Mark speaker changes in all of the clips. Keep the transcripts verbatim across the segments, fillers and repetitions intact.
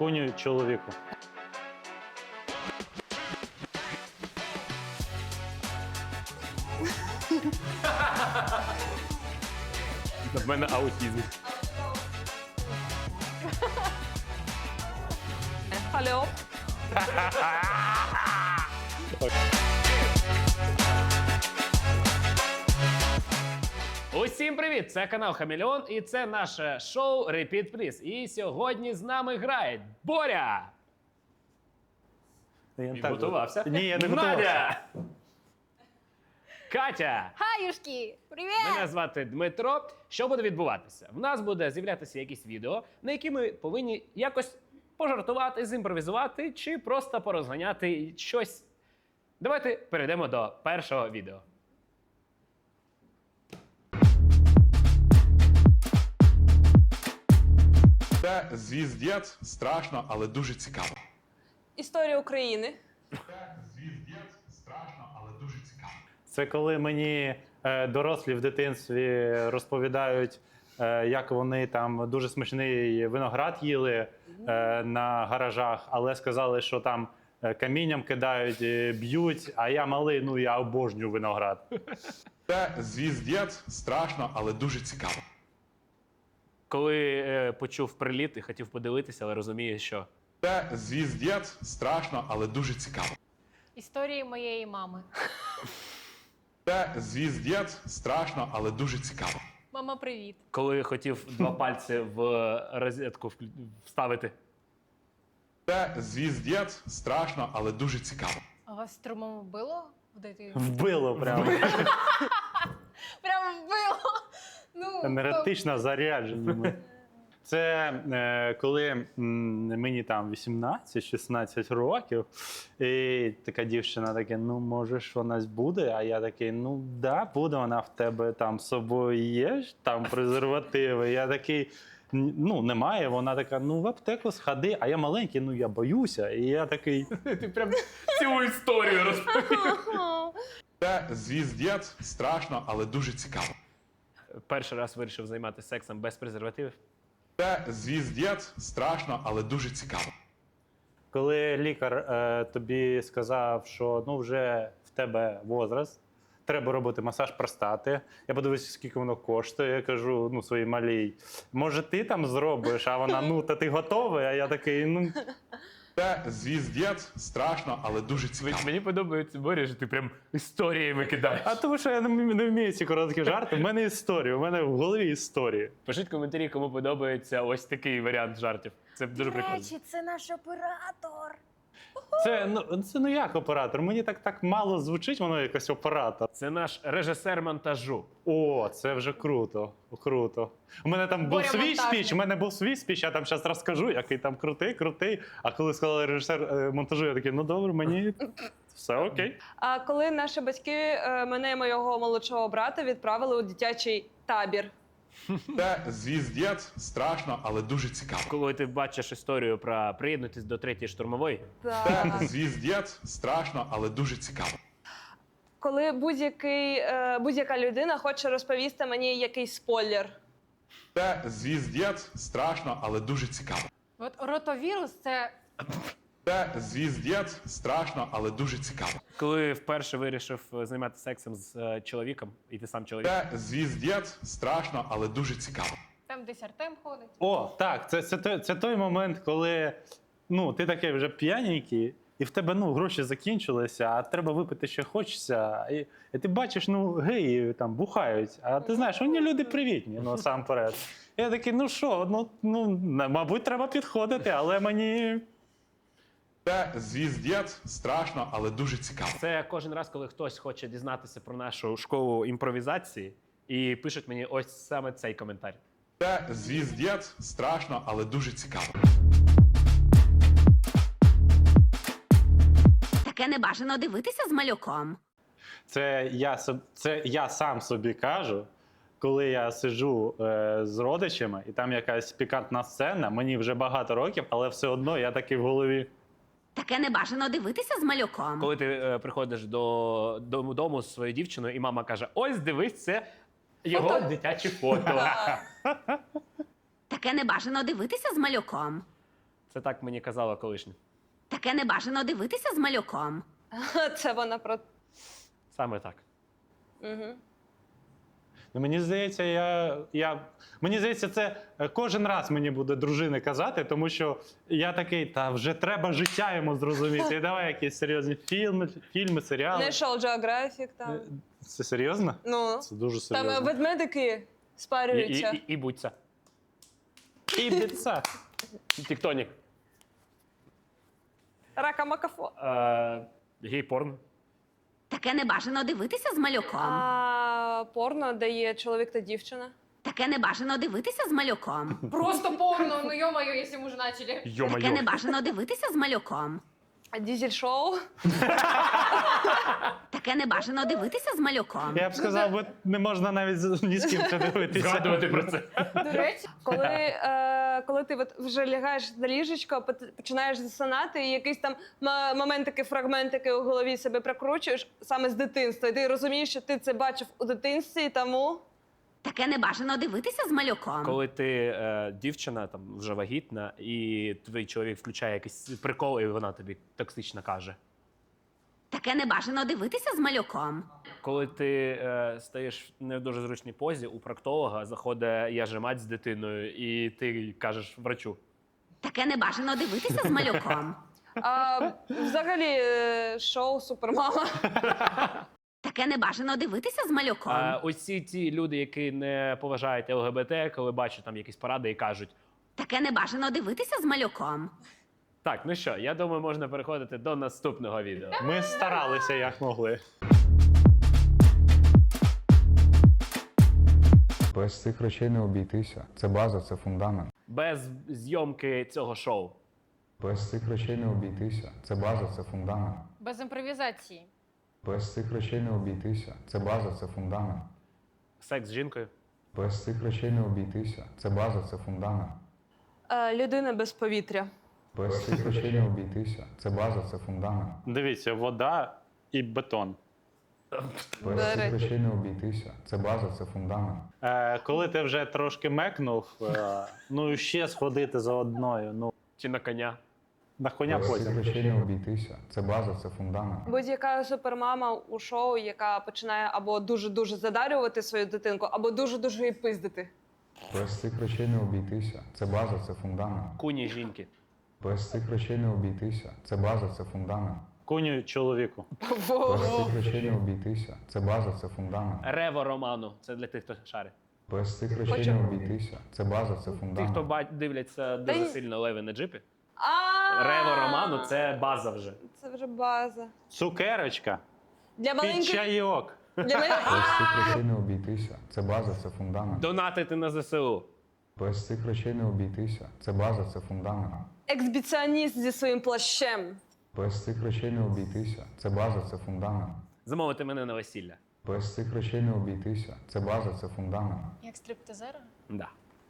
Speaker 1: Коню чоловіку.
Speaker 2: В мене аутізм.
Speaker 3: Алло.
Speaker 2: Усім привіт! Це канал Хамелеон і це наше шоу Repeat Please. І сьогодні з нами грає Боря!
Speaker 1: Я
Speaker 2: Він
Speaker 1: так
Speaker 2: готувався.
Speaker 1: Ні, я не
Speaker 2: Надя!
Speaker 1: готувався.
Speaker 2: Катя!
Speaker 3: Хаюшки, привіт!
Speaker 2: Мене звати Дмитро. Що буде відбуватися? В нас буде з'являтися якісь відео, на які ми повинні якось пожартувати, зімпровізувати чи просто порозганяти щось. Давайте перейдемо до першого відео.
Speaker 4: Це звіздець, страшно, але дуже цікаво.
Speaker 3: Історія України.
Speaker 4: Це звіздець, страшно, але дуже цікаво.
Speaker 1: Це коли мені е, дорослі в дитинстві розповідають, е, як вони там дуже смачний виноград їли е, на гаражах, але сказали, що там е, камінням кидають, е, б'ють, а я малий, ну я обожнюю виноград.
Speaker 4: Це звіздець, страшно, але дуже цікаво.
Speaker 2: Коли е, почув приліт і хотів подивитися, але розуміє, що
Speaker 4: Це звіздець, страшно, але дуже цікаво.
Speaker 5: Історії моєї мами.
Speaker 4: Це звіздець, страшно, але дуже цікаво.
Speaker 5: Мама, привіт.
Speaker 2: коли хотів два пальці в розетку вклю- вставити.
Speaker 4: Це звіздець, страшно, але дуже цікаво.
Speaker 5: А вас струмом вбило в дитинстві?
Speaker 1: Вбило прямо.
Speaker 5: Прямо вбило. Ну,
Speaker 1: Енергетично заряджені ми. Це е, коли м, мені там вісімнадцять-шістнадцять років, і така дівчина таке, ну може ж вона буде, а я такий, ну да, буде вона в тебе там з собою є, ж там презервативи. Я такий, «Н- ну немає, вона така, ну в аптеку сходи, а я маленький, ну я боюся. І я такий,
Speaker 2: Ти прям цілу історію розповів.
Speaker 4: Це звіздець, страшно, але дуже цікаво.
Speaker 2: Перший раз вирішив займатися сексом без презервативів.
Speaker 4: Це звіздець, страшно, але дуже цікаво.
Speaker 1: коли лікар е, тобі сказав, що ну вже в тебе возраст, треба робити масаж простати. Я подивився, скільки воно коштує. Я кажу, ну своїй малій, може ти там зробиш? А вона, ну та ти готовий? А я такий, ну
Speaker 4: Це звіздець, страшно, але дуже цікаво.
Speaker 2: Мені подобається, Боря, що ти прям історіями кидаєш.
Speaker 1: а тому що я не, вмію- не вмію ці короткі жарти. У мене історія, у мене в голові історії.
Speaker 2: Пишіть коментарі, кому подобається ось такий варіант жартів. Це дуже
Speaker 5: До
Speaker 2: прикольно.
Speaker 5: речі, це наш оператор.
Speaker 1: Це ну це ну як оператор? Мені так так мало звучить, воно якось оператор.
Speaker 2: Це наш режисер монтажу.
Speaker 1: О, це вже круто. Круто. У мене там був
Speaker 5: Боря
Speaker 1: свій
Speaker 5: монтажник.
Speaker 1: спіч, у мене був свій спіч, я там зараз розкажу, який там крутий, крутий. А коли сказали режисер е, монтажу, я такий, ну добре, мені все окей.
Speaker 3: А коли наші батьки е, мене і моєго молодшого брата відправили у дитячий табір.
Speaker 4: Це звіздець, страшно, але дуже цікаво.
Speaker 2: Коли ти бачиш історію про приєднутись до третьої штурмової,
Speaker 4: Це звіздець, страшно, але дуже цікаво.
Speaker 3: Коли будь-який, е, будь-яка людина хоче розповісти мені якийсь спойлер.
Speaker 4: Це звіздець, страшно, але дуже цікаво.
Speaker 5: От ротовірус це
Speaker 4: Це звіздець, страшно, але дуже цікаво.
Speaker 2: коли вперше вирішив е, займатися сексом з е, чоловіком, і ти сам чоловік.
Speaker 4: Це звіздець, страшно, але дуже цікаво.
Speaker 5: там десь Артем ходить.
Speaker 1: О, так, це, це, той- це той момент, коли ну, ти такий вже п'яненький, і в тебе ну, гроші закінчилися, а треба випити, що хочеться. І, і ти бачиш, ну, геї там бухають, а ти знаєш, вони люди привітні, ну, сам перед. Я такий, ну що, ну, ну, мабуть, треба підходити, але мені.
Speaker 4: Це звіздець, страшно, але дуже цікаво.
Speaker 2: Це кожен раз, коли хтось хоче дізнатися про нашу школу імпровізації, і пишуть мені ось саме цей коментар.
Speaker 4: Це звіздець, страшно, але дуже цікаво.
Speaker 6: Таке не бажано дивитися з малюком.
Speaker 1: Це я, соб- це я сам собі кажу, коли я сиджу е, з родичами, і там якась пікантна сцена, мені вже багато років, але все одно я такий в голові.
Speaker 6: Таке не бажано дивитися з малюком.
Speaker 2: Коли ти е, приходиш до дому, дому з своєю дівчиною, і мама каже: ось дивись, це його дитяче фото.
Speaker 6: Таке не бажано дивитися з малюком.
Speaker 2: Це так мені казала колишня.
Speaker 6: Таке не бажано дивитися з малюком.
Speaker 3: Це вона про.
Speaker 2: Саме так.
Speaker 3: Угу.
Speaker 1: Ну, мені здається, я, я. Мені здається, це е, кожен раз мені буде дружини казати, тому що я такий, та вже треба життя йому зрозуміти. І давай якісь серйозні фільми, фільми, серіали.
Speaker 3: National Geographic там.
Speaker 1: Е, Це серйозно?
Speaker 3: Ну,
Speaker 1: Це дуже
Speaker 3: там
Speaker 1: серйозно.
Speaker 3: ведмедики
Speaker 2: І, і,
Speaker 3: спарюються.
Speaker 2: і, і будь це.
Speaker 1: І біца.
Speaker 2: Тіктонік.
Speaker 3: Рака Макафо.
Speaker 2: Е, гей-порн.
Speaker 6: Таке не бажано дивитися з малюком.
Speaker 3: А порно, де є чоловік та дівчина.
Speaker 6: Таке не бажано дивитися з малюком.
Speaker 5: Просто порно, ну ё-моё, если мы уже начали.
Speaker 6: Таке не
Speaker 2: Йо-майо.
Speaker 6: бажано дивитися з малюком.
Speaker 3: А дізель-шоу.
Speaker 6: Таке не бажано дивитися з малюком.
Speaker 1: Я б сказав, бо не можна навіть з- ні з ким це дивитися.
Speaker 2: Згадувати про це.
Speaker 5: До речі,
Speaker 3: Коли, е, коли ти от вже лягаєш на ліжечко, пот- починаєш засинати, і якийсь там м- моментики, фрагментики у голові себе прокручуєш саме з дитинства. І ти розумієш, що ти це бачив у дитинстві, і тому
Speaker 6: Таке не бажано дивитися з малюком.
Speaker 2: Коли ти е, дівчина, там вже вагітна, і твій чоловік включає якийсь прикол, і вона тобі токсично каже.
Speaker 6: Таке не бажано дивитися з малюком.
Speaker 2: Коли ти е, стаєш в не дуже зручній позі, у проктолога заходить я же мать з дитиною, і ти кажеш врачу.
Speaker 6: Таке не бажано дивитися з малюком.
Speaker 3: а, взагалі е, шоу Супермама.
Speaker 6: Таке не бажано дивитися з малюком.
Speaker 2: А ось ці ті люди, які не поважають ЛГБТ, коли бачать там якісь поради і кажуть:
Speaker 6: Таке не бажано дивитися з малюком.
Speaker 2: так, ну що, я думаю, можна переходити до наступного відео.
Speaker 1: Ми старалися як могли.
Speaker 7: Без цих речей не обійтися. Це база, це фундамент.
Speaker 2: Без зйомки цього шоу.
Speaker 7: Без цих речей не обійтися. Це база, це фундамент.
Speaker 5: без імпровізації.
Speaker 7: Без цих речей не обійтися. Це база, це фундамент.
Speaker 2: Секс з жінкою.
Speaker 7: Без цих речей не обійтися. Це база, це фундамент.
Speaker 3: Е, людина без повітря.
Speaker 7: Без цих речей не обійтися. Це база, це фундамент.
Speaker 1: Дивіться, вода і бетон.
Speaker 7: Без
Speaker 3: До
Speaker 7: цих
Speaker 3: речі.
Speaker 7: речей не обійтися. Це база, це фундамент.
Speaker 1: Е, коли ти вже трошки мекнув, е, ну і ще сходити за одною. Ну,
Speaker 2: Чи на коня.
Speaker 1: на коня
Speaker 7: Без цих
Speaker 1: потім.
Speaker 7: речей не обійтися. Це база, це фундамент.
Speaker 3: Будь-яка супермама у шоу, яка починає або дуже-дуже задарювати свою дитинку, або дуже-дуже її пиздити.
Speaker 7: Без цих речей не обійтися. Це база, це фундамент.
Speaker 2: Куні жінки.
Speaker 7: Без цих речей не обійтися. Це база, це фундамент.
Speaker 1: Куню чоловіку.
Speaker 7: Без цих речей не обійтися. Це база, це фундамент.
Speaker 2: Рево роману. Це для тих, хто шарить.
Speaker 7: Без цих речей
Speaker 3: Хочу.
Speaker 7: не обійтися. Це база, це
Speaker 2: Ті,
Speaker 7: фундамент.
Speaker 2: хто ба- дивляться дуже
Speaker 3: ні.
Speaker 2: сильно леви на джипі.
Speaker 3: А
Speaker 2: Рево роману це база вже.
Speaker 3: Це вже база.
Speaker 1: Цукерочка.
Speaker 3: Для
Speaker 1: Під
Speaker 3: маленьких.
Speaker 1: чайок.
Speaker 3: Для мене...
Speaker 7: Без цих речей не обійтися. Це база, це фундамент.
Speaker 2: Донатити на ЗСУ.
Speaker 7: Без цих речей не обійтися. Це база, це фундамент.
Speaker 3: Ексбіціоніст зі своїм плащем.
Speaker 7: Без цих речей не обійтися. Це база, це фундамент.
Speaker 2: Замовити мене на весілля.
Speaker 7: Без цих речей не обійтися. Це база, це фундамент.
Speaker 5: Як стриптизера?
Speaker 2: Да.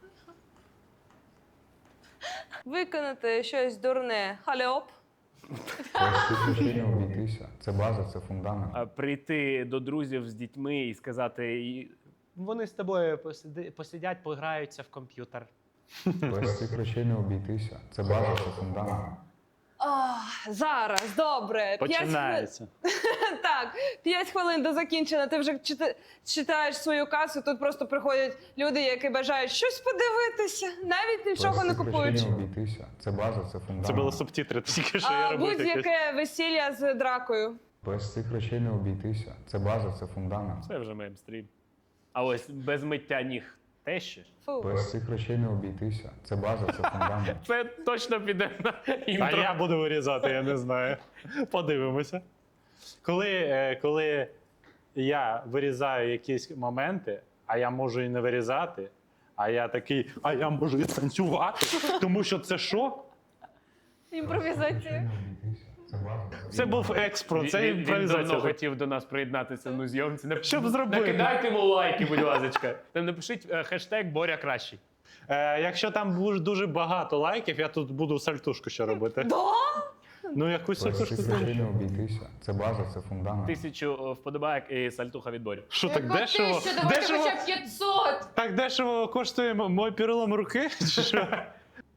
Speaker 3: Виконати щось дурне. Хальоп.
Speaker 7: Без цих речей не обійтися. Це база, це фундамент.
Speaker 2: А прийти до друзів з дітьми і сказати: «І вони з тобою посиди- посидять, пограються в комп'ютер.
Speaker 7: Без цих речей не обійтися. Це база, це фундамент.
Speaker 3: Ах, зараз, добре. П'ять
Speaker 1: Починається.
Speaker 3: хвилин. Так, п'ять хвилин до закінчення. Ти вже чита- читаєш свою касу. Тут просто приходять люди, які бажають щось подивитися, навіть нічого
Speaker 7: Без
Speaker 3: не
Speaker 7: цих
Speaker 3: купуючи.
Speaker 7: речей не обійтися. Це база, це фундамент.
Speaker 1: Це були субтитри, тільки що я
Speaker 3: А
Speaker 1: робив таке.
Speaker 3: будь-яке весілля з дракою.
Speaker 7: Без цих речей не обійтися. Це база, це фундамент.
Speaker 2: Це вже меймстрім. А ось без миття ніг те ще.
Speaker 3: Фу.
Speaker 7: Без цих речей не обійтися. Це база, це фундамент.
Speaker 2: Це точно піде на
Speaker 1: А
Speaker 2: інтро.
Speaker 1: я буду вирізати, я не знаю. Подивимося. Коли, е, коли я вирізаю якісь моменти, а я можу і не вирізати, а я такий, а я можу і танцювати, тому що це що?
Speaker 5: Імпровізація.
Speaker 7: Це база.
Speaker 1: Це був експро, це
Speaker 2: Він, він давно
Speaker 1: імпровізація.
Speaker 2: хотів до нас приєднатися на зйомці. Нап-
Speaker 1: Щоб зробити.
Speaker 2: Накидайте йому лайки, будь ласка. Там напишіть е, хештег Боря кращий.
Speaker 1: Е, якщо там буде дуже багато лайків, я тут буду сальтушку ще робити.
Speaker 3: Да?
Speaker 1: Ну, якусь
Speaker 7: Без
Speaker 1: сальтушку.
Speaker 7: цих речей не обійтися. Це база, це фундамент.
Speaker 2: Тисячу е, вподобайок і сальтуха від Борі.
Speaker 1: Що так
Speaker 5: Яка
Speaker 1: дешево?
Speaker 5: тисяча? Давайте
Speaker 1: Дешево?
Speaker 5: хоча б п'ятсот.
Speaker 1: Так дешево коштує м- мой перелом руки? Чи що?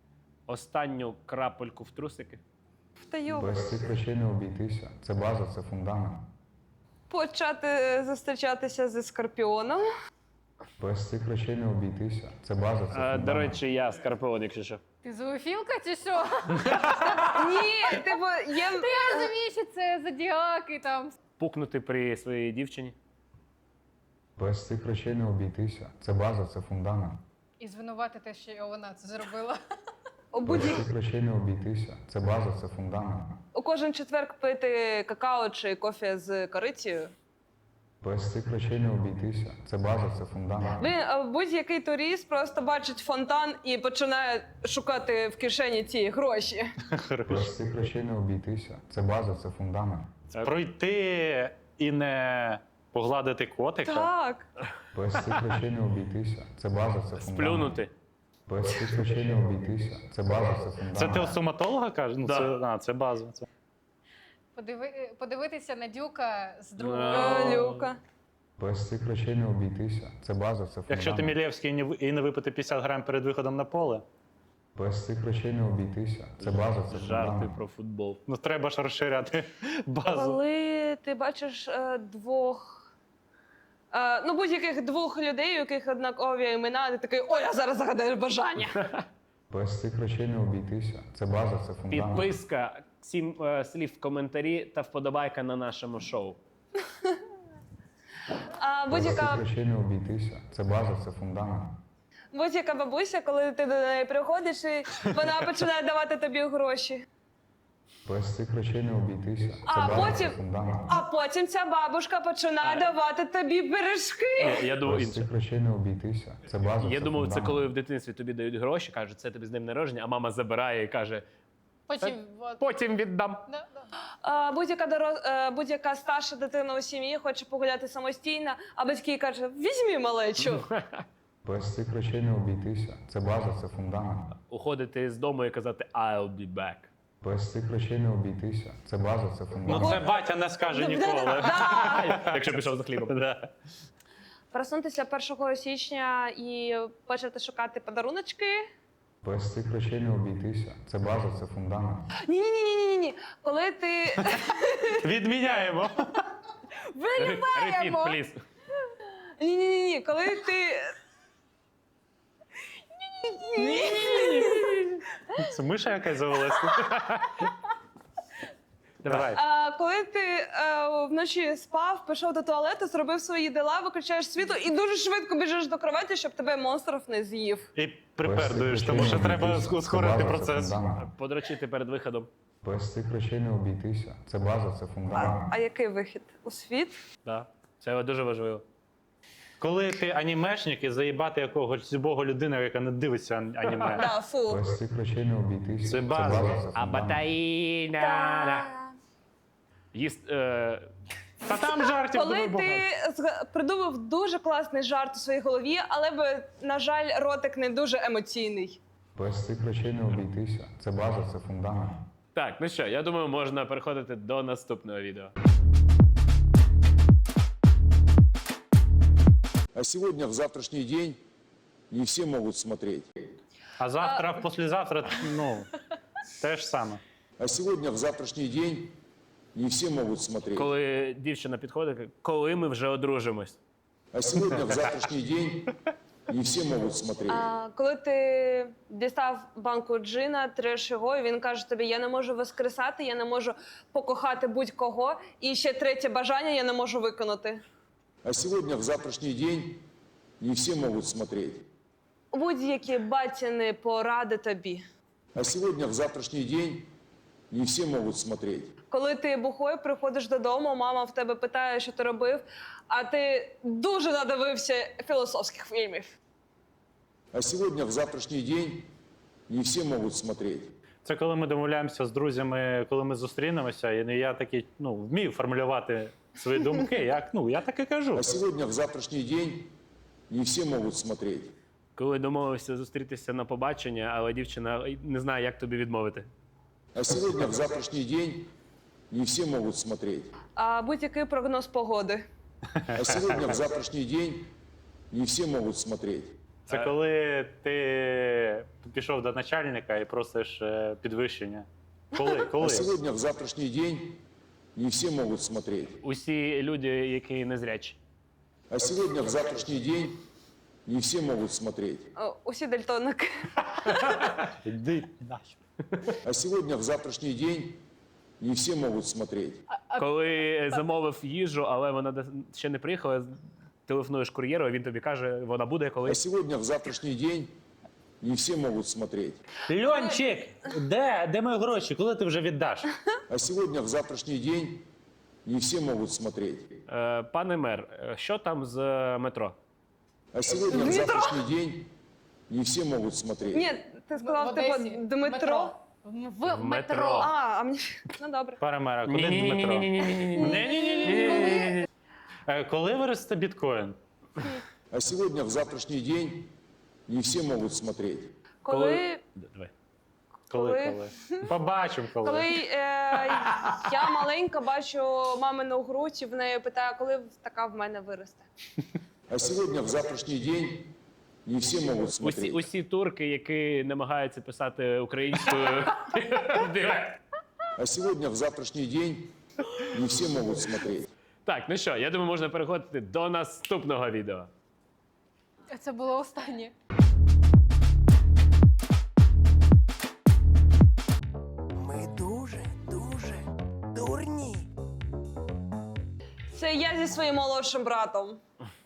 Speaker 2: Останню крапельку в трусики.
Speaker 3: Втаю.
Speaker 7: Без цих речей не обійтися. Це база, це фундамент.
Speaker 3: Почати зустрічатися зі скорпіоном.
Speaker 7: Без цих речей не обійтися. Це база, це
Speaker 2: А,
Speaker 7: фундамент.
Speaker 2: до речі, я Скорпіон, якщо що.
Speaker 5: Ти зоофілка чи що?
Speaker 3: Ні, типу, є.
Speaker 5: Я розумію, що це зодіаки там.
Speaker 2: Пукнути при своїй дівчині.
Speaker 7: Без цих речей не обійтися. Це база, це фундамент.
Speaker 5: І звинуватити, що вона це зробила.
Speaker 3: У,
Speaker 7: Без
Speaker 3: будь...
Speaker 7: цих речей не обійтися. Це база, це фундамент.
Speaker 3: у кожен четверг пити какао чи кофе з корицею.
Speaker 7: Без цих речей не обійтися. Це база, це фундамент.
Speaker 3: Блін, а будь-який турист просто бачить фонтан і починає шукати в кишені ці гроші.
Speaker 7: Без цих речей не обійтися. Це база, це фундамент.
Speaker 1: Пройти і не погладити котика.
Speaker 3: Так.
Speaker 7: Без цих речей не обійтися. Це база, це фундамент.
Speaker 2: Сплюнути.
Speaker 7: Без цих речей не обійтися. Це база, це фундамент.
Speaker 1: Це ти у стоматолога кажеш? Ну,
Speaker 2: Да.
Speaker 1: це, а, це база. Це.
Speaker 5: Подиви... Подивитися на дюка з другого.
Speaker 2: Ну.
Speaker 3: Е, Люка.
Speaker 7: Без цих речей не обійтися. Це база, це фундамент.
Speaker 1: Якщо ти Мілєвський і не ви- і не випити п'ятдесят грам перед виходом на поле,
Speaker 7: Без цих речей не обійтися. Це база, це
Speaker 2: Жарти
Speaker 7: фундамент.
Speaker 2: про футбол.
Speaker 1: ну треба ж розширяти базу.
Speaker 3: Коли ти бачиш е, двох. Е, ну, будь-яких двох людей, у яких однакові імена, ти такий, ой, я зараз загадаю бажання.
Speaker 7: Без цих речей не обійтися. Це база, це фундамент.
Speaker 2: Підписка, сім е, слів в коментарі та вподобайка на нашому шоу.
Speaker 3: А
Speaker 7: Без
Speaker 3: будь-яка
Speaker 7: цих речей не обійтися. Це база, це фундамент.
Speaker 3: будь-яка бабуся, коли ти до неї приходиш, і вона починає давати тобі гроші.
Speaker 7: Без цих речей не обійтися. Це
Speaker 3: А
Speaker 7: база,
Speaker 3: потім-
Speaker 7: це фундамент.
Speaker 3: А потім ця бабушка починає
Speaker 2: А.
Speaker 3: давати тобі пиріжки.
Speaker 2: Ні, я думав
Speaker 7: Без
Speaker 2: інше.
Speaker 7: цих речей не обійтися. Це база,
Speaker 2: Я
Speaker 7: це
Speaker 2: думав, це
Speaker 7: фундамент.
Speaker 2: коли в дитинстві тобі дають гроші, кажуть, це тобі з днем народження, а мама забирає і каже,
Speaker 5: Потім. от,
Speaker 2: потім віддам.
Speaker 5: да, да.
Speaker 3: А, будь-яка дороз... е, будь-яка старша дитина у сім'ї хоче погуляти самостійно, а батьки кажуть, візьмі малечу.
Speaker 7: Без цих речей не обійтися. Це база, це фундамент.
Speaker 2: Уходити з дому і казати I'll be back.
Speaker 7: Без цих речей не обійтися. Це база, це
Speaker 1: Ну
Speaker 7: фундамент.
Speaker 1: це батя не скаже ніколи.
Speaker 2: Якщо пішов за хлібом.
Speaker 1: Да.
Speaker 3: Проснутися першого січня і почати шукати подаруночки.
Speaker 7: Без цих речей не обійтися. Це база, це фундамент.
Speaker 3: Ні, ні, ні, ні, ні. Коли ти
Speaker 1: Відміняємо.
Speaker 2: Repeat, please.
Speaker 3: ні, ні, ні, ні, коли ти.
Speaker 1: Це миша якась завелася. Давай.
Speaker 3: А, коли ти е, вночі спав, пішов до туалету, зробив свої дела, виключаєш світло і дуже швидко біжиш до кроваті, щоб тебе монстров не з'їв.
Speaker 1: І
Speaker 7: Без цих
Speaker 1: припердуєш,
Speaker 7: речей
Speaker 1: тому
Speaker 7: не
Speaker 1: що треба
Speaker 7: обійтися. Це
Speaker 1: ускорити
Speaker 7: база, це
Speaker 1: процес.
Speaker 7: фундамент.
Speaker 2: Подрочити перед виходом.
Speaker 7: Без цих речей не обійтися. Це база, це
Speaker 3: А,
Speaker 7: фундамент.
Speaker 3: а який вихід? У світ?
Speaker 2: Да. Це дуже важливо.
Speaker 1: Коли ти анімешник і заїбати якогось любого людину, яка не дивиться ан- аніме.
Speaker 3: Да, фу.
Speaker 7: Без цих речей не обійтися.
Speaker 1: Це база.
Speaker 7: це
Speaker 2: А
Speaker 7: фундамент.
Speaker 2: батаїна. Їсть. Е...
Speaker 1: Та там жартів
Speaker 3: Коли
Speaker 1: дуже
Speaker 3: ти
Speaker 1: багато.
Speaker 3: зга- придумав дуже класний жарт у своїй голові, але, би, на жаль, ротик не дуже емоційний.
Speaker 7: Без цих речей не обійтися. Це база, це фундамент.
Speaker 2: Так, ну що, я думаю, можна переходити до наступного відео.
Speaker 8: А сегодня, в завтрашний день, не все могут смотреть.
Speaker 1: А завтра, послезавтра, ну, те ж саме.
Speaker 8: А сегодня, в завтрашний день, не все могут смотреть.
Speaker 2: Коли дівчина підходить, каже, коли ми вже одружимось.
Speaker 8: А сегодня, в завтрашний день, не все могут смотреть.
Speaker 3: А, коли ти дістав банку джина, треш його, і він каже тобі, я не можу воскресати, я не можу покохати будь-кого, і ще третє бажання я не можу виконати.
Speaker 8: А сегодня, в завтрашний день, не все могут смотреть.
Speaker 3: Будь-які батіни поради тобі.
Speaker 8: А сегодня, в завтрашний день, не все могут смотреть.
Speaker 3: Коли ти бухой, приходиш додому, мама в тебе питає, що ти робив, а ти дуже надивився філософських фільмів.
Speaker 8: А сегодня, в завтрашний день, не все могут смотреть.
Speaker 1: Це коли ми домовляємося з друзями, коли ми зустрінемося, і я такий, ну, вмію формулювати свої думки, як, ну, я так і кажу.
Speaker 8: А сегодня, в завтрашний день, не все могут смотреть.
Speaker 2: Коли домовився зустрітися на побачення, але дівчина не знає, як тобі відмовити.
Speaker 8: А сегодня, в завтрашний день, не все могут смотреть.
Speaker 3: А будь-який прогноз погоди.
Speaker 8: А сегодня, в завтрашний день, не все могут смотреть.
Speaker 1: Це
Speaker 2: Е.
Speaker 1: коли ти пішов до начальника і просиш е, підвищення. Коли? Коли?
Speaker 8: А сегодня, в завтрашний день, не все могут смотреть.
Speaker 2: Усі люди, які незрячі.
Speaker 8: А сегодня, в завтрашний день, не все могут смотреть.
Speaker 3: О, усі дальтоники.
Speaker 1: Іди нахер.
Speaker 8: А сегодня, в завтрашний день, не все могут смотреть.
Speaker 2: Коли замовив їжу, але вона до- ще не приїхала, телефонуєш кур'єру, а він тобі каже, вона буде
Speaker 8: А
Speaker 2: колись.
Speaker 8: сегодня, в завтрашний день, не все могут смотреть.
Speaker 1: Льончик, де? Де мої гроші? Коли ти вже віддаш?
Speaker 8: А сегодня, в завтрашний день, не все могут смотреть.
Speaker 2: Е, Пане мер, е, що там з е, метро?
Speaker 8: А сегодня, в завтрашний день, не все могут смотреть.
Speaker 3: Ні, ти
Speaker 5: В
Speaker 3: сказав, типу,
Speaker 5: Одесі.
Speaker 3: Дмитро.
Speaker 5: В
Speaker 2: В метро.
Speaker 5: метро.
Speaker 3: А, а мені. Ну добре.
Speaker 1: Пане мера, куди Дмитро?
Speaker 2: Ні-ні-ні.
Speaker 1: Е, Коли виросте біткоін?
Speaker 8: А сегодня, в завтрашний день, не все могут смотреть.
Speaker 3: Коли,
Speaker 2: Давай.
Speaker 1: Коли,
Speaker 3: Коли?
Speaker 1: коли? Побачимо, коли.
Speaker 3: коли е, я маленька бачу мамину грудь, і в неї питаю, коли така в мене виросте.
Speaker 8: А сегодня, в завтрашний день, не все могут
Speaker 2: Усі,
Speaker 8: смотреть.
Speaker 2: усі турки, які намагаються писати українською. Директ.
Speaker 8: А сегодня, в завтрашний день, не все могут смотреть.
Speaker 2: Так, ну що, я думаю, можна переходити до наступного відео.
Speaker 5: Це було останнє.
Speaker 9: Ми дуже, дуже дурні.
Speaker 3: Це я зі своїм молодшим братом.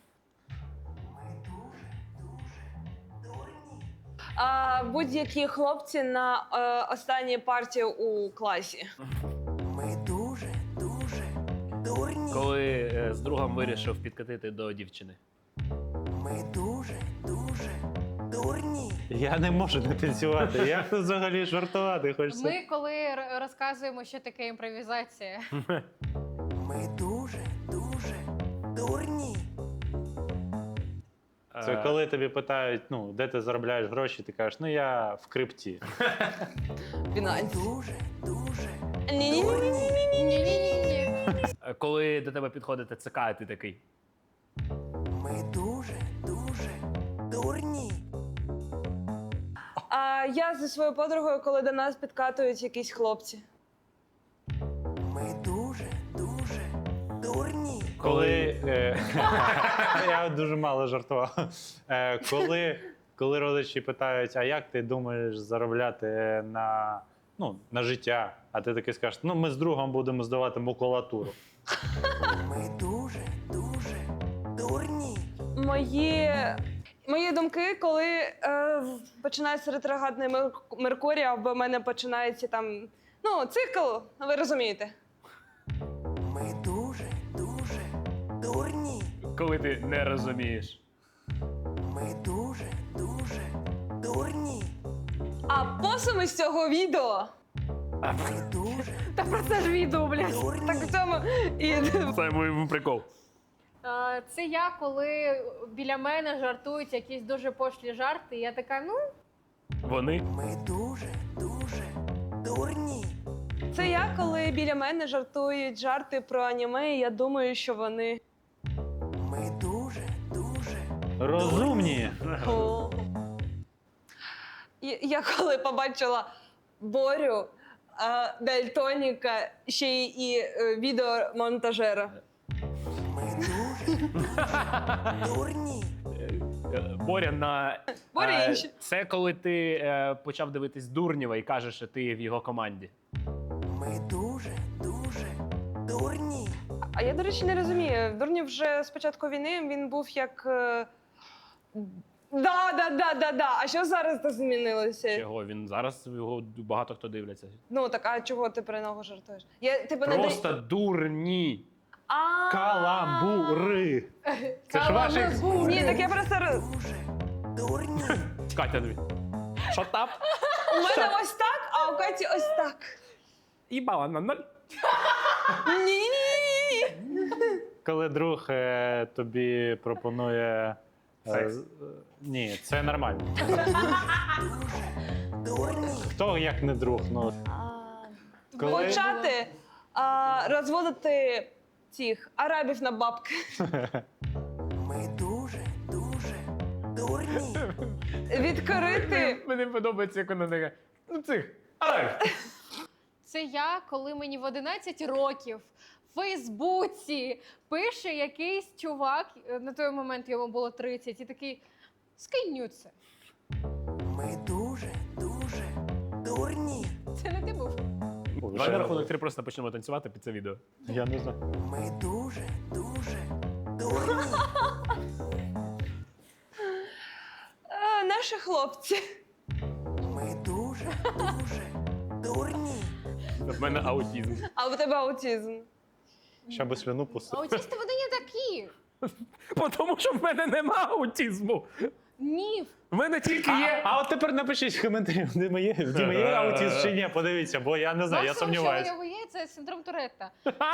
Speaker 3: А, будь-які хлопці на е, останній партії у класі.
Speaker 9: Ми дуже, дуже дурні.
Speaker 2: Коли е, з другом вирішив підкатити до дівчини.
Speaker 9: Ми дуже, дуже дурні.
Speaker 1: Я не можу не танцювати. Як тут взагалі жартувати хочеться?
Speaker 5: Ми коли р- розказуємо, що таке імпровізація.
Speaker 9: Ми дуже, дуже дурні.
Speaker 1: Це
Speaker 2: Е,
Speaker 1: коли тобі питають, ну, де ти заробляєш гроші, ти кажеш, ну я в крипті.
Speaker 3: Фінансі.
Speaker 9: Дуже, дуже
Speaker 3: Ні-ні-ні.
Speaker 5: Ні-ні-ні.
Speaker 2: е, Коли до тебе підходить ТЦК, і ти такий.
Speaker 9: Ми дуже, дуже дурні.
Speaker 3: А я зі своєю подругою, коли до нас підкатують якісь hлопці.
Speaker 9: Ми дуже, дуже дурні.
Speaker 1: Коли. Е, я дуже мало жартував. Е, коли, коли родичі питають, а як ти думаєш заробляти на, ну, на життя? А ти таки скажеш, ну ми з другом будемо здавати макулатуру.
Speaker 9: Ми дуже, дуже дурні.
Speaker 3: Мої, мої думки, коли е, починається ретроградний Мер- Меркурій, або в мене починається там, ну, цикл, ви розумієте.
Speaker 9: Ми дуже, дуже дурні.
Speaker 2: Коли ти не розумієш.
Speaker 9: Ми дуже, дуже дурні.
Speaker 3: А посуми з цього відео.
Speaker 9: Ми дуже
Speaker 3: Та про це ж відео, блядь.
Speaker 9: дурні.
Speaker 3: Так в цьому і
Speaker 2: Це мій прикол.
Speaker 5: А, Це я, коли біля мене жартують якісь дуже пошлі жарти, і я така, ну,
Speaker 2: Вони.
Speaker 9: Ми дуже, дуже дурні.
Speaker 3: це я, коли біля мене жартують жарти про аніме, і я думаю, що вони.
Speaker 9: Ми дуже, дуже
Speaker 1: Розумні.
Speaker 3: О. І- Я коли побачила Борю, а, дальтоніка, ще й і е, відеомонтажера.
Speaker 9: Ми дуже дурні.
Speaker 2: Е, Боря на.
Speaker 3: Боря
Speaker 2: е,
Speaker 3: інші.
Speaker 2: Це коли ти е, почав дивитись Дурнєва і кажеш, що ти в його команді.
Speaker 9: Ми дуже, дуже дурні.
Speaker 3: А я, до речі, не розумію. Дурнів вже з початку війни він був як. е, Да, да, да, да, да. А що зараз то змінилося?
Speaker 2: Чого він зараз його багато хто дивляться.
Speaker 3: Ну так, а чого ти про нього жартуєш? Я типу не
Speaker 2: Просто дурні.
Speaker 3: А.
Speaker 1: Каламбури. Це ж ваші.
Speaker 3: Ні, так я просто роз-
Speaker 9: Дуже дурні.
Speaker 2: Катя, тобі. Шотап.
Speaker 3: у мене ось так, а у Каті ось так.
Speaker 2: І бала на ноль.
Speaker 3: Ні.
Speaker 1: Коли друг е, тобі пропонує. е,
Speaker 2: Секс.
Speaker 1: з- е, ні, це нормально.
Speaker 9: Дурні.
Speaker 1: Хто як не друг? Ну, Коли-
Speaker 3: Почати а, розводити цих арабів на бабки.
Speaker 9: Ми дуже, дуже дурні.
Speaker 3: Відкрити.
Speaker 2: Мені подобається, як вона така. Ну цих. Ай!
Speaker 5: Це я, коли мені в одинадцять років в Фейсбуці пише якийсь чувак, е, на той момент йому було тридцять, і такий скинь це.
Speaker 9: Ми дуже, дуже дурні.
Speaker 5: Це не ти був.
Speaker 2: Давай на рахунок три просто почнемо танцювати під це відео.
Speaker 1: Я не знаю.
Speaker 9: Ми дуже, дуже дурні.
Speaker 3: А, наші хлопці.
Speaker 9: Ми дуже, дуже дурні.
Speaker 2: В мене аутізм.
Speaker 3: А у тебе аутизм.
Speaker 1: Ще би слюну пустив.
Speaker 5: Аутісти вони не такі.
Speaker 2: Бо Тому що в мене нема аутізму.
Speaker 5: Ні.
Speaker 2: В мене тільки
Speaker 1: А,
Speaker 2: є.
Speaker 1: а от тепер напишіть в коментарі, в Діма є, в Діма є аутизм чи ні, подивіться, бо я не знаю, я
Speaker 5: Максимум,
Speaker 1: сумніваюся.
Speaker 5: що у нього є, це синдром Туретта.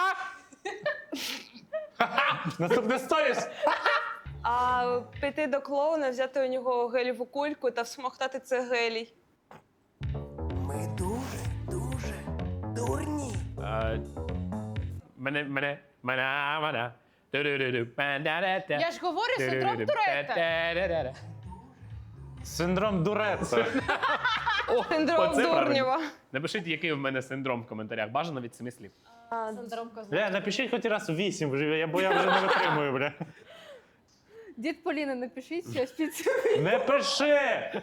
Speaker 1: Наступне сторіс.
Speaker 3: А піти до клоуна, взяти у нього геліву кульку та всмоктати це гелій.
Speaker 9: Ми дуже, дуже дурні.
Speaker 2: Е, Мене, мене, мене, мене. Ду-ду-ду-ду, па-да-да-да.
Speaker 5: Я ж говорю синдром
Speaker 2: Ду-ду-ду-ду,
Speaker 5: Туретта.
Speaker 2: па-да-да-да.
Speaker 1: Синдром Дуретта.
Speaker 2: О,
Speaker 3: Синдром
Speaker 2: оце правильно.
Speaker 3: Дурнєва.
Speaker 2: Напишіть, який в мене синдром в коментарях. Бажано від семи слів.
Speaker 5: Синдром козла.
Speaker 1: Бля, напишіть хоч раз вісім, вже, я- бо я вже не витримую, бля.
Speaker 5: Дід Поліна, напишіть щось під цим.
Speaker 1: Не пиши!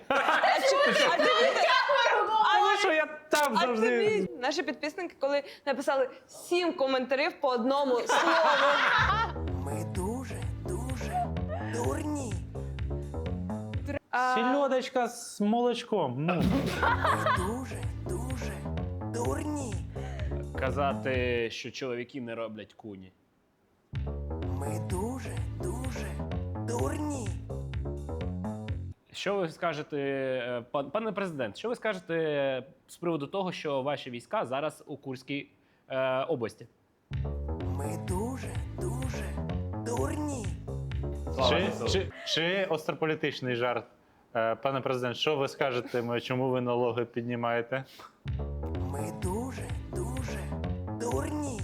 Speaker 1: А що я там
Speaker 3: А
Speaker 1: завжди?
Speaker 3: тобі наші підписники, коли написали сім коментарів по одному слову.
Speaker 9: Ми дуже, дуже дурні.
Speaker 3: А,
Speaker 1: Сільодочка з молочком. Ну.
Speaker 9: Ми дуже, дуже дурні.
Speaker 2: Казати, що чоловіки не роблять куні.
Speaker 9: Ми дуже, дуже дурні.
Speaker 2: Що ви скажете, е, пан- пане президент, що ви скажете з приводу того, що ваші війська зараз у Курській е, області?
Speaker 9: Ми дуже, дуже дурні.
Speaker 1: Чи, чи, чи острополітичний жарт? Е, Пане президент, що ви скажете, ми- чому ви налоги піднімаєте?
Speaker 9: Ми дуже, дуже дурні.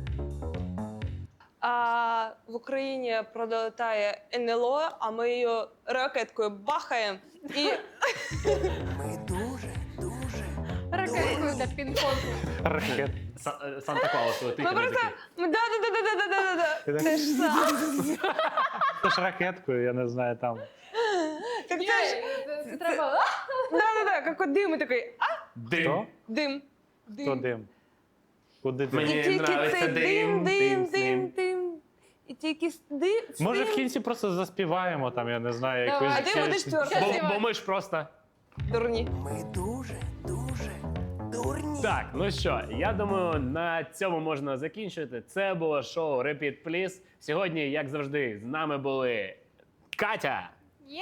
Speaker 3: а в Україні пролетає ен ел о, а ми її ракеткою бахаємо. І
Speaker 9: Ми дуже, дуже
Speaker 5: Ракеткою та пінг-понг.
Speaker 1: Ракет.
Speaker 2: Са- е, Санта-Клаус летить.
Speaker 3: ми
Speaker 2: і ми
Speaker 3: просто
Speaker 2: такі,
Speaker 3: да да да да да да да
Speaker 1: Ти
Speaker 3: да
Speaker 1: так-
Speaker 3: Це ж сам.
Speaker 1: Це ж ракеткою, я не знаю там.
Speaker 3: Так це ж
Speaker 5: Це- це треба.
Speaker 3: да да да як от дим і такий а
Speaker 2: Дим.
Speaker 1: Хто?
Speaker 3: дим.
Speaker 1: Хто дим? Куди дим?
Speaker 2: Мені
Speaker 3: І тільки
Speaker 2: нравиться
Speaker 3: цей
Speaker 2: дим,
Speaker 3: дим,
Speaker 2: дим,
Speaker 3: дим, дим, дим. І тільки с- дим.
Speaker 1: Може в
Speaker 3: дим.
Speaker 1: кінці просто заспіваємо там, я не знаю,
Speaker 5: Давай.
Speaker 1: якусь.
Speaker 3: А ти будеш твердо.
Speaker 2: Бо, бо ми ж просто.
Speaker 3: Дурні.
Speaker 9: Ми дуже, дуже дурні.
Speaker 2: Так, ну що, я думаю, на цьому можна закінчити. Це було шоу Repeat Please. Сьогодні, як завжди, з нами були Катя,
Speaker 5: Є!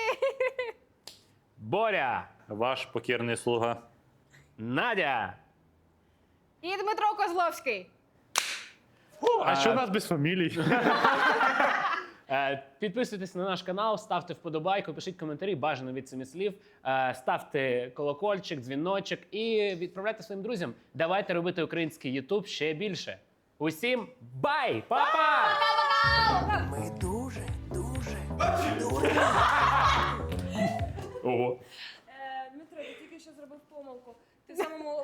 Speaker 2: Боря,
Speaker 1: Ваш покірний слуга.
Speaker 2: Надя.
Speaker 5: І Дмитро Козловський.
Speaker 1: А що у нас без фамілій?
Speaker 2: Е, Підписуйтесь на наш канал, ставте вподобайку, пишіть коментарі, бажано від семи слів, е, ставте колокольчик, дзвіночок і відправляйте своїм друзям. Давайте робити український Ютуб ще більше. Усім бай! Па-па!
Speaker 9: Ми дуже, дуже дурні.
Speaker 2: Ого.
Speaker 3: Дмитро, ти тільки що зробив помилку. Ти в самому